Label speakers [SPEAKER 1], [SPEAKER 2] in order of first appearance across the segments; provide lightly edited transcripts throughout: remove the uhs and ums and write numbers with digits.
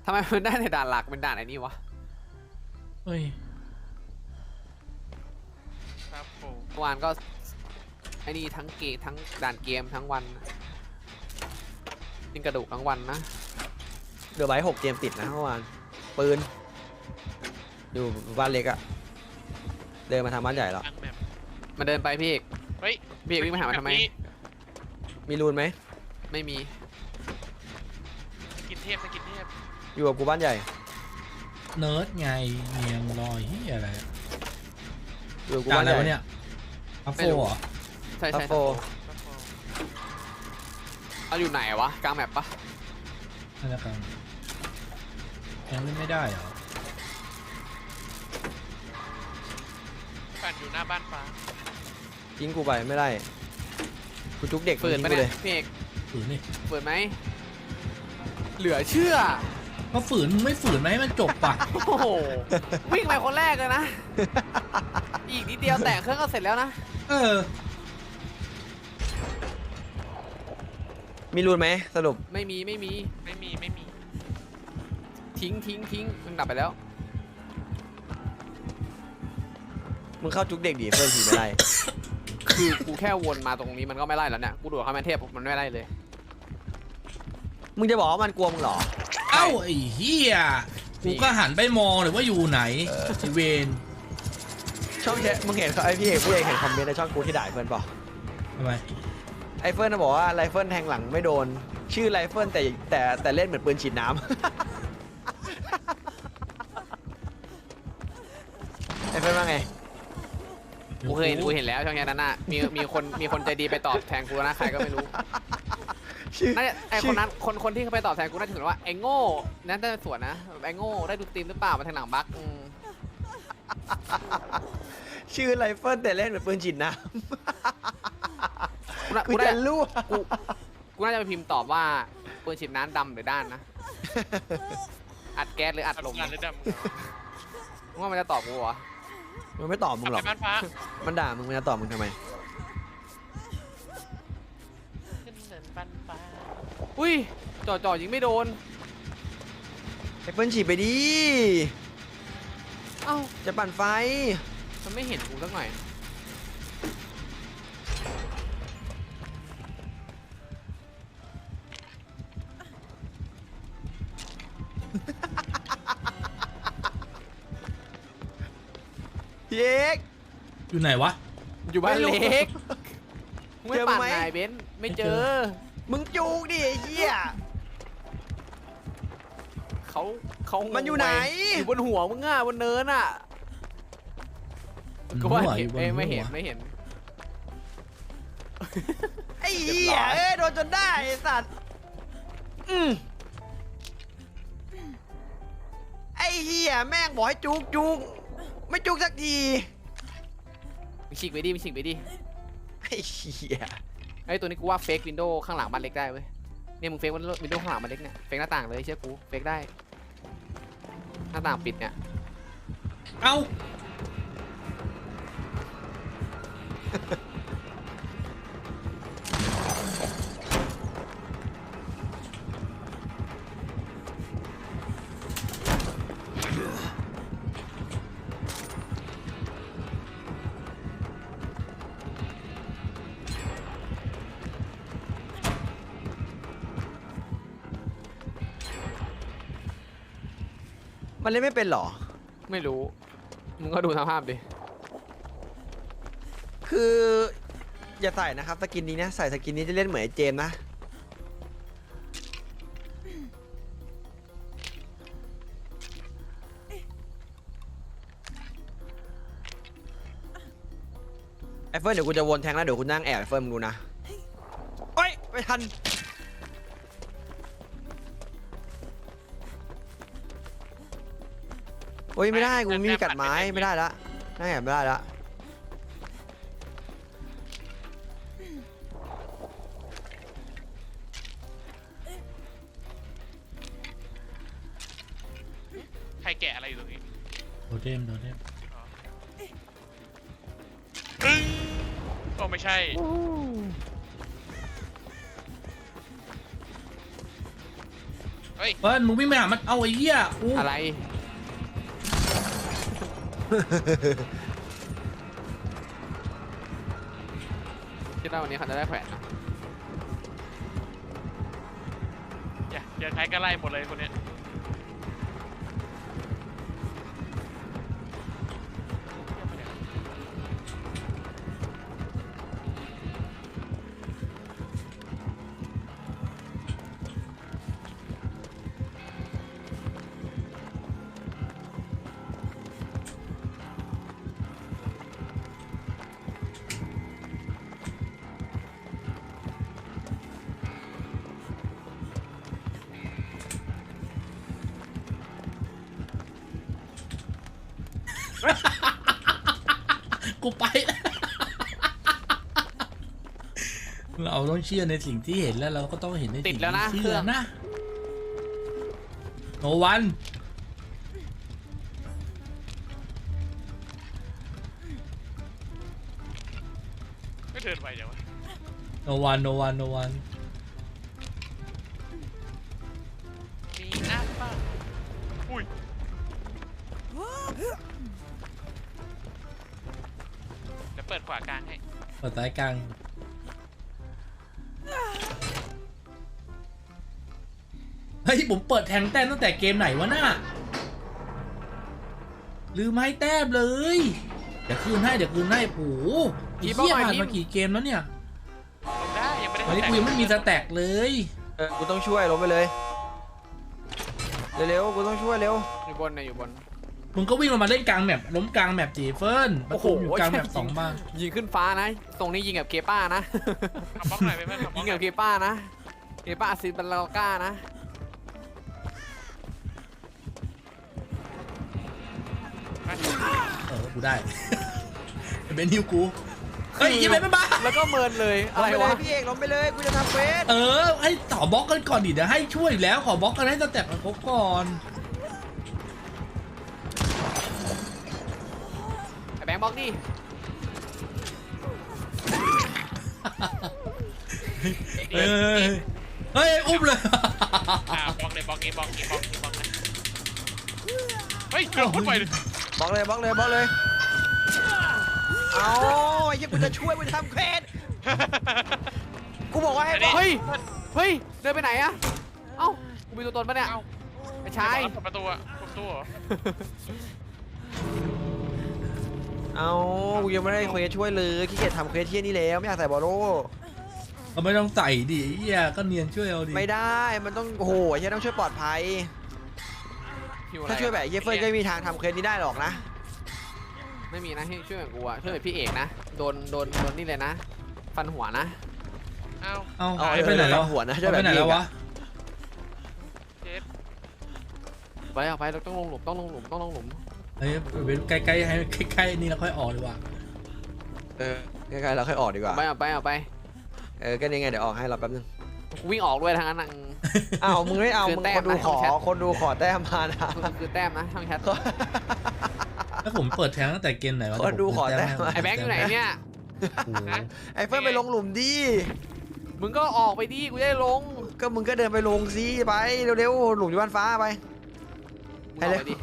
[SPEAKER 1] ทำไมมันได้ในด่านหลักเป็นด่านไอ้นี่วะ
[SPEAKER 2] เฮ้ย
[SPEAKER 3] ครับผม
[SPEAKER 1] เมื่อวานก็ไอ้นี่ทั้งทั้งด่านเกมทั้งวันกินกระดูกทั้งวันนะ
[SPEAKER 4] เดือบไว้6 เกมติดนะเมื่อวานปืนอยู่บ้านเล็กอะเดินมาทางบ้านใหญ่แล้ว
[SPEAKER 3] ตั้งแบบ
[SPEAKER 1] มันเดินไปพี่เอก
[SPEAKER 3] เฮ้ย
[SPEAKER 1] พี่เอกวิ่งมาหามันทำไม
[SPEAKER 3] แบบนี้
[SPEAKER 4] มีรูนไหม
[SPEAKER 1] ไม่มี
[SPEAKER 3] สกินเทพสกินเทพ
[SPEAKER 4] อยู่กับกูบ้านใหญ่
[SPEAKER 2] เนิร์ดไงเมียงลอยเฮียอะไร
[SPEAKER 4] อยู่กับกู
[SPEAKER 2] ด่าน
[SPEAKER 4] บ้าน
[SPEAKER 2] อะไร
[SPEAKER 4] ใหญ่
[SPEAKER 2] วะเนี่ยอัฟโฟเหรอ
[SPEAKER 1] ใช่
[SPEAKER 4] ทัฟ
[SPEAKER 1] ใช่
[SPEAKER 4] โฟ
[SPEAKER 3] ครับผม
[SPEAKER 1] เอาอยู่ไหนวะกลางแมปปะ
[SPEAKER 2] นั่นแหละกันยังเล่นไม่ได้เหรอ
[SPEAKER 3] ปั่นอยู่หน้าบ้านฟ้า
[SPEAKER 4] ยิงกูไปไม่ได้กูจุกเด็ก
[SPEAKER 1] ฝืน
[SPEAKER 4] ยิง
[SPEAKER 1] ปะ
[SPEAKER 4] กู
[SPEAKER 1] เนี่
[SPEAKER 4] เลย ย
[SPEAKER 1] พี่เอก
[SPEAKER 2] ฝืนนี่
[SPEAKER 1] ฝืนไหมเหลือเชื่อ
[SPEAKER 2] ก็ฝืนมึงไม่ฝืนไหมให้มันจบป่ะ
[SPEAKER 1] โอ้โหวิ่งไปคนแรกเลยนะ อีกนิดเดียวแตะเครื่องก็เสร็จแล้วนะ
[SPEAKER 2] เออ
[SPEAKER 4] มีรูนไหมสรุป
[SPEAKER 1] ไม่มี
[SPEAKER 3] ไม่มี
[SPEAKER 1] ทิ้งมันดับไปแล้ว
[SPEAKER 4] มึงเข้าจุกเด็กดิเพื่อนผีไม่ได้
[SPEAKER 1] คือกูแค่วนมาตรงนี้มันก็ไม่ไล่แล้วเนี่ย กูดูดเข้ามาเทพมันไม่ไล่เลย
[SPEAKER 4] มึงจะบอกว่ามันกลัวมึงเหรอ
[SPEAKER 2] เอ้าไอ้เฮียกูก็หันไปมองเลยว่าอยู่ไหนไอเวน
[SPEAKER 4] ช่องแชทมึงเห็นไอพี่เอกเห็นคอมเมนต์ในช่องกูที่ด่าไอ้เฟิร์นเปล่า
[SPEAKER 2] ทำไม
[SPEAKER 4] ไอเฟิร์นน่ะบอกว่าไรเฟิลแทงหลังไม่โดน ชื่อไรเฟิลแต่เล่นเหมือนปืนฉีดน้ำ ไอเฟิร์นว่าไง
[SPEAKER 1] กูเห็นแล้วช่องแชทนั้นน่ะมีคนใจดีไปตอบแทนกูนะใครก็ไม่รู้
[SPEAKER 4] ชื่อ
[SPEAKER 1] น่าจะไอคนนั้นคนที่เขาไปตอบแทนกูน่าจะถึงว่าไอโง่นั่นน่าจะสวนนะแบบไอโง่ได้ดูสตรีมหรือเปล่ามาทางหลังบั๊ก
[SPEAKER 4] ชื่อไรเฟิลแต่เล่นเหมือนปืนฉีดน้ำ
[SPEAKER 1] กู
[SPEAKER 4] กู
[SPEAKER 1] น่า
[SPEAKER 4] จะรั่ว
[SPEAKER 1] กูน่าจะไปพิมพ์ตอบว่าปืนฉีดน้ำดำหรือด้านนะ อัดแก๊สหรืออัดลม
[SPEAKER 3] งานเลยดำ
[SPEAKER 1] มึงว่ามันจะตอบกูวะ
[SPEAKER 4] มันไม่ตอบมึงหรอก
[SPEAKER 3] ไปบ้านฟ้า
[SPEAKER 4] มันด่ามึงจะตอบมึงทำไม
[SPEAKER 3] ขึ้นเนินบ้านฟ้า
[SPEAKER 1] อุ้ยจ่อยิงไม่โดน
[SPEAKER 4] ไอเฟิลฉีดไปดิ
[SPEAKER 1] เอ้า
[SPEAKER 4] จะปั่นไฟ
[SPEAKER 1] มันไม่เห็นกูสักหน่อย
[SPEAKER 4] พี่เอก
[SPEAKER 2] อยู่ไหนวะ
[SPEAKER 1] อยู่บ้าน
[SPEAKER 4] ไม่รู้
[SPEAKER 1] เล็กไม่
[SPEAKER 4] เจอ
[SPEAKER 1] ปั่น
[SPEAKER 4] ไหม
[SPEAKER 1] ไงเบนซ์ไม่เจ
[SPEAKER 2] ไม่เจ
[SPEAKER 1] อ
[SPEAKER 2] อ
[SPEAKER 4] มึงจูกดิไอ้เหี้ย
[SPEAKER 1] เขา
[SPEAKER 4] มันอยู่ไหน
[SPEAKER 1] อยู่บนหัวมึงอ่ะบนเนินอ่ะก็ว่าเห็น
[SPEAKER 2] หัวอยู่บนหัว
[SPEAKER 1] ไม่เห็น
[SPEAKER 4] ไอ้เหี้ย
[SPEAKER 1] เรียบร้อย
[SPEAKER 4] โดนจนได้ไอ้สัตว์ไอ้เหี้ยแม่งบอกให้จุกไม่จุกสักที
[SPEAKER 1] มีฉีกไปดิ
[SPEAKER 4] ไอ้เหี้ย
[SPEAKER 1] ไอ้ตัวนี้กูว่าเฟกวินโดว์ข้างหลังบ้านเล็กได้เว้ยเนี่ยมึงเฟกวินโดว์ข้างหลังบ้านเล็กเนี่ยเฟกหน้าต่างเลยเชื่อกูเฟกได้หน้าต่างปิดเนี่ย
[SPEAKER 2] เอ้า
[SPEAKER 4] มันเล่นไม่เป็นเหรอ
[SPEAKER 1] ไม่รู้มึงก็ดูสภาพดิ
[SPEAKER 4] คืออย่าใส่นะครับสกินนี้นะใส่สกินนี้จะเล่นเหมือนไอ้เจมส์นะไอ้เฟิร์นเดี๋ยวกูจะวนแทงแล้วเดี๋ยวคุณนั่งแอบไอ้เฟิร์นมึงดูนะโอ๊ยไม่ทันโอ้ยไม่ได้กูไม่มีกัดไม้ไม่ได้ละนั่งแอบไม่ได้ละ
[SPEAKER 3] ใครแกะอะไรอยู่ตรงนี้
[SPEAKER 2] โดเทม
[SPEAKER 3] อึ้งก็ไม่ใช่
[SPEAKER 1] โอ้
[SPEAKER 3] โอ้
[SPEAKER 1] โห
[SPEAKER 3] เฮ้ย
[SPEAKER 2] เฟิร์นมึงวิ่งไปหามันเอาไอ้เหี้ยกู
[SPEAKER 1] อะไรคิดว่าวันนี้เขาจะได้แขวนนะ
[SPEAKER 3] อย่าใช้ก็ไล่หมดเลยคนเนี้ย
[SPEAKER 2] กูไปแล้วเราต้องเชื่อในสิ่งที่เห็นแล้วเราก็ต้องเห็นใน
[SPEAKER 1] ติ
[SPEAKER 2] สิ่
[SPEAKER 1] ด
[SPEAKER 2] ง
[SPEAKER 1] แล้วนะ
[SPEAKER 2] ที่
[SPEAKER 1] เค
[SPEAKER 2] เชื่
[SPEAKER 1] รื่
[SPEAKER 2] อ
[SPEAKER 1] อง
[SPEAKER 2] นะโนวัน
[SPEAKER 3] ไม่เดินไปเดี๋ยววะ
[SPEAKER 2] โนวันโนวันโนวัน
[SPEAKER 3] มีอัพป่ะอุ้ยเดี๋ยวเปิดขวากลางให้
[SPEAKER 2] เปิดสายกลางเฮ้ยผมเปิดแทงแต้มตั้งแต่เกมไหนวะน่ะลืมให้แต้มเลยเดี๋ยวคืนให้เดี๋ยวคืนให้โอ้โหไอ้เหี้ยผ่านมากี่เกมแล้วเนี่ย
[SPEAKER 3] ลงได้ยังไม่ได้
[SPEAKER 2] วันนี้กูยังไม่มีสแต็กเลย
[SPEAKER 4] กูต้องช่วยลงไปเลยเร็วๆกูต้องช่วยเร็ว
[SPEAKER 1] อยู่บนเนี่ยอยู่บน
[SPEAKER 2] มึงก็วิ่งลงมาเล่นกลางแมปล้มกลางแมปจีเฟิร์นประตูอยู่กลางแมป
[SPEAKER 1] โอ้โห
[SPEAKER 2] สองบ้าง
[SPEAKER 1] ยิงขึ้นฟ้านะ ตรงนี้ยิงกับเคป้านะ
[SPEAKER 3] ขับบล็อกหน่อยไปเพื่อนขับบล็
[SPEAKER 1] ยิ
[SPEAKER 3] อก
[SPEAKER 1] ง
[SPEAKER 3] หน่
[SPEAKER 1] กั
[SPEAKER 3] อบ ย
[SPEAKER 1] เคป้านะเคป้าซิบัลลาก้านะ
[SPEAKER 2] กูได้ เป็นฮิวกูเฮ้ยยังไงไม่มา
[SPEAKER 1] แล้วก็เมินเลย
[SPEAKER 4] ล
[SPEAKER 1] อะไร
[SPEAKER 4] งไปเล
[SPEAKER 1] วะ
[SPEAKER 4] ยพี่เอกลงไปเลยกูจะทำเควส
[SPEAKER 2] ให้ต่อบล็อกกันก่อนดิเดี๋ยวให้ช่วยแล้วขอบล็อกกันให้สแต็กมันครบก่อน
[SPEAKER 1] ไอ้แบงค์บล็อกดิ
[SPEAKER 2] เฮ้ยเฮ้ยอุ้มเลย
[SPEAKER 3] บล็อกเลยบล็อกนี้บล็อกนี้บล็อกนี้บล็อกนะเฮ้ยเกือบพุ่งไปเลย
[SPEAKER 4] บล็อกเลยบล็อกเลยบล็อกเลยเอาไอ้เหี้ยกูจะช่วยกูจะทำเควสกูบอกว่าให้บล็อก
[SPEAKER 1] เฮ้ยเฮ้ยเดินไปไหนอะเอ้ากูมีตัวตนปะเนี่ย
[SPEAKER 3] เอ้า
[SPEAKER 1] ไอ้ชาย
[SPEAKER 3] เปิดประตูอะเปิดประตูเหรอ
[SPEAKER 4] เอากูยังไม่ได้เควสช่วยเลยขี้เกียจทำเควสเที่ยนี่แล้วไม่อยากใส่บอลโล่
[SPEAKER 2] ก็ไม่ต้องใส่ดิเฮียก็เนียนช่วยเอาดิ
[SPEAKER 4] ไม่ได้มันต้องโอ้โหไอ้เหี้ยต้องช่วยปลอดภัย
[SPEAKER 1] หิวอะไร
[SPEAKER 4] ถ้าช่วยแบบไอ้เหี้ยเฟิร์นก็ไม่มีทางทำเควสนี้ได้หรอกนะ
[SPEAKER 1] ไม่มีนะที่ช่วยแบบกูอะช่วยแบบพี่เอกนะ โดนนี่เลยนะ ฟันหัวนะ
[SPEAKER 3] เอ้า
[SPEAKER 2] เอา
[SPEAKER 4] เอา
[SPEAKER 2] ไปไหนแล้ว
[SPEAKER 4] หัวนะช่วย
[SPEAKER 2] ไป
[SPEAKER 4] แบบ
[SPEAKER 2] ไหน
[SPEAKER 4] นี้
[SPEAKER 2] แล้ววะ
[SPEAKER 3] เจ็บ
[SPEAKER 1] ไปเอาไปเราต้องลงหลุมต้องลงหลุมต้องลงหลุม
[SPEAKER 2] เฮ้ยไปใกล้ๆให้ใกล้ๆนี่แล้วค่อยออกดีกว่า
[SPEAKER 4] ใกล้ๆเราค่อยออกดีกว่า
[SPEAKER 1] เอาไป
[SPEAKER 4] ก็นี่ไงเดี๋ยวออกให้เราแป๊บนึง
[SPEAKER 1] กูวิ่งออกด้วยทางนั้นนะ
[SPEAKER 4] อ้าวมึงไม่เอา
[SPEAKER 1] คือ
[SPEAKER 4] มึง
[SPEAKER 1] แต้
[SPEAKER 4] ค
[SPEAKER 1] ม
[SPEAKER 4] นดู
[SPEAKER 1] นะ
[SPEAKER 4] ขอ
[SPEAKER 1] ช่องแชท
[SPEAKER 4] คนดูขอแต้มมานะ
[SPEAKER 1] คือแต้มนะช่างแชท
[SPEAKER 2] ถ้าผมเปิดแทงตั้งแต่เกมไหนวะ
[SPEAKER 4] คนดูขอแต้ม
[SPEAKER 1] ไอ้แบงค์อยู่ไหนเนี่ย
[SPEAKER 2] โอ้โห
[SPEAKER 4] ไอ้เฟิร์นไปลงหลุมดิ
[SPEAKER 1] มึงก็ออกไปดิกูจะได้ลง
[SPEAKER 4] ก็มึงก็เดินไปลงซิไปเร็วๆหลุมอยู่บ้านฟ้าไป
[SPEAKER 1] มึงออกไปดิ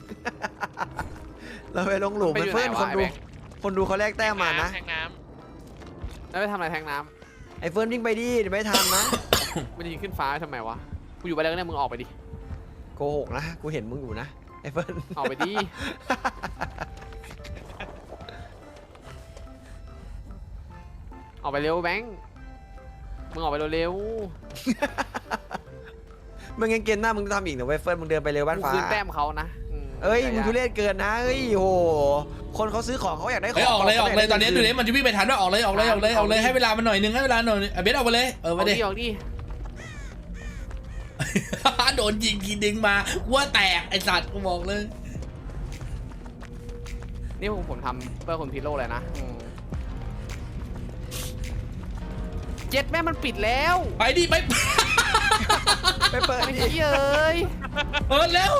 [SPEAKER 4] เราไปลงหลุม
[SPEAKER 1] มันไปอยู่
[SPEAKER 4] เฟิร์น
[SPEAKER 1] ไหน
[SPEAKER 4] ค
[SPEAKER 1] วะ
[SPEAKER 4] นดู
[SPEAKER 1] ไอ้แบงค์
[SPEAKER 4] คนดูเขาแลกแต้มมานะ
[SPEAKER 3] แทงน้
[SPEAKER 1] แล้วไปทำอะไรแทงน้
[SPEAKER 4] ไอ้เฟิร์นวิ่งไปดิเดี๋ยวไม่ทันนะ
[SPEAKER 1] ำมันยิงขึ้นฟ้าทำไมวะ กูอยู่ไปแล้วเนี่ยมึงออกไปดิ
[SPEAKER 4] โกหกนะกูเห็นมึงอยู่นะไอ้เฟิร์น
[SPEAKER 1] ออกไปดิ ออกไปเร็วแบงค์ มึงออกไปเร็ว
[SPEAKER 4] มึงยังเกมหน้ามึงทำอีกเหรอเว้ยเฟิร์นมึงเดินไปเร็ว
[SPEAKER 1] ๆ
[SPEAKER 4] บ้าน
[SPEAKER 1] กู
[SPEAKER 4] ฟ้า
[SPEAKER 1] คืนแต้มเขานะ
[SPEAKER 4] เอ้ยมึงทุเรศเกินนะเอ้ยโหคนเขาซื้อของเขาอยากได้ข
[SPEAKER 2] เฮ้ย
[SPEAKER 4] อง
[SPEAKER 2] ออกเลยออกเลยตอนนี้
[SPEAKER 4] ขา
[SPEAKER 2] ดู
[SPEAKER 4] ยาก
[SPEAKER 2] ดิ
[SPEAKER 4] ได้
[SPEAKER 2] มันจะวิ่งไปทันว่าออกเลยออกเลยออกเลยออกเลยให้เวลามันหน่อยนึงให้เวลาหน่อยนึงเบสออกไปเลย
[SPEAKER 1] ออก
[SPEAKER 2] ไปดิ
[SPEAKER 1] ดิออกดิ
[SPEAKER 2] โดนยิงทีดึงมาว่าแตกไอสัตว์กูบอกเลย
[SPEAKER 1] นี่ผมทำเพื่อคนพิโลเลยนะเจ็ดแม่มันปิดแล้ว
[SPEAKER 2] ไปดิไป
[SPEAKER 4] ไปเปิด
[SPEAKER 1] ไอ้
[SPEAKER 4] ดิ
[SPEAKER 1] เหี้ยเอ้ย
[SPEAKER 2] เออเร็ว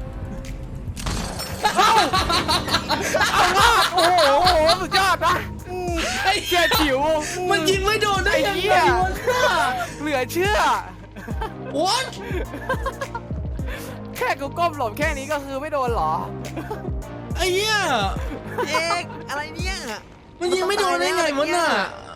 [SPEAKER 1] เอาว่าโอ้โหสุดยอดนะ
[SPEAKER 2] ไอ้
[SPEAKER 1] เชี่ยจิ๋ว
[SPEAKER 2] มันยิงไม่โดนได้
[SPEAKER 1] ไอ้
[SPEAKER 2] ยัง
[SPEAKER 1] เหี้
[SPEAKER 2] ไง
[SPEAKER 1] ยว
[SPEAKER 2] ะ
[SPEAKER 1] เหลือเชื่อ
[SPEAKER 2] โอ๊ย
[SPEAKER 1] แค่กูก้มหลบแค่นี้ก็คือไม่โดนเหรอ
[SPEAKER 2] ไอ้เหี้ย
[SPEAKER 4] เอกอะไรเนี่ย
[SPEAKER 2] มันยิงไม่โดนได้ไงวะน่ะ